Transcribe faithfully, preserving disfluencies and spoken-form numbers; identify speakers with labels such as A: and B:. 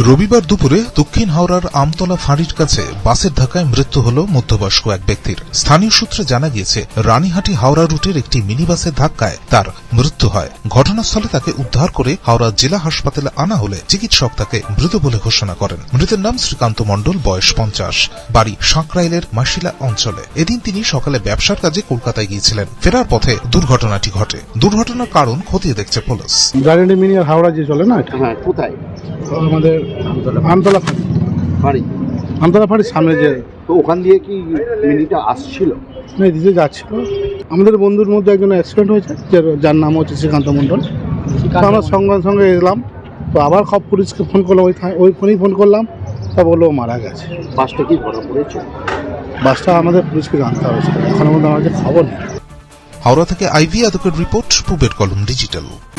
A: রবিবার দুপুরে দক্ষিণ হাওড়ার আমতলা ফাঁড়ির কাছে বাসের ধাক্কায় মৃত্যু হল মধ্যবয়স্ক এক ব্যক্তির। স্থানীয় সূত্রে জানা গিয়েছে, রানীহাটি হাওড়া রুটের একটি মিনি বাসের ধাক্কায় তার মৃত্যু হয়। ঘটনাস্থলে তাকে উদ্ধার করে হাওড়া জেলা হাসপাতালে আনা হলে চিকিৎসক তাকে মৃত বলে ঘোষণা করেন। মৃতের নাম শ্রীকান্ত মণ্ডল, বয়স পঞ্চাশ, বাড়ি সাঁকরাইলের মাসিলা অঞ্চলে। এদিন তিনি সকালে ব্যবসার কাজে কলকাতায় গিয়েছিলেন। ফেরার পথে দুর্ঘটনাটি ঘটে। দুর্ঘটনার কারণ খতিয়ে দেখছে পুলিশ।
B: রানীহাটি মিনি আর হাওড়া যে চলে না,
C: হ্যাঁ, কোথায়?
B: আমাদের আমতলা
C: বাড়ি
B: আমতলা ফাঁড়ির সামনে যে,
C: তো ওখান দিয়ে কি মিনিটা আসছিল?
B: দিতে যাচ্ছিল। আমাদের বন্ধুর মধ্যে একজন অ্যাক্সিডেন্ট হয়েছে, যার নাম হচ্ছে শ্রীকান্ত মণ্ডল। তো আমরা সঙ্গে সঙ্গে এলাম, তো আবার সব পুলিশকে ফোন করলাম, ওই ওই ফোনেই ফোন করলাম, তা বললো মারা গেছে।
C: বাসটা কি ধরা পড়েছে?
B: বাসটা আমাদের পুলিশকে জানতে হয়েছে, এখনো মধ্যে আমাদের খবর নেই।
A: হাওড়া থেকে আইভি আদকের রিপোর্ট, পুবের কলম ডিজিটাল।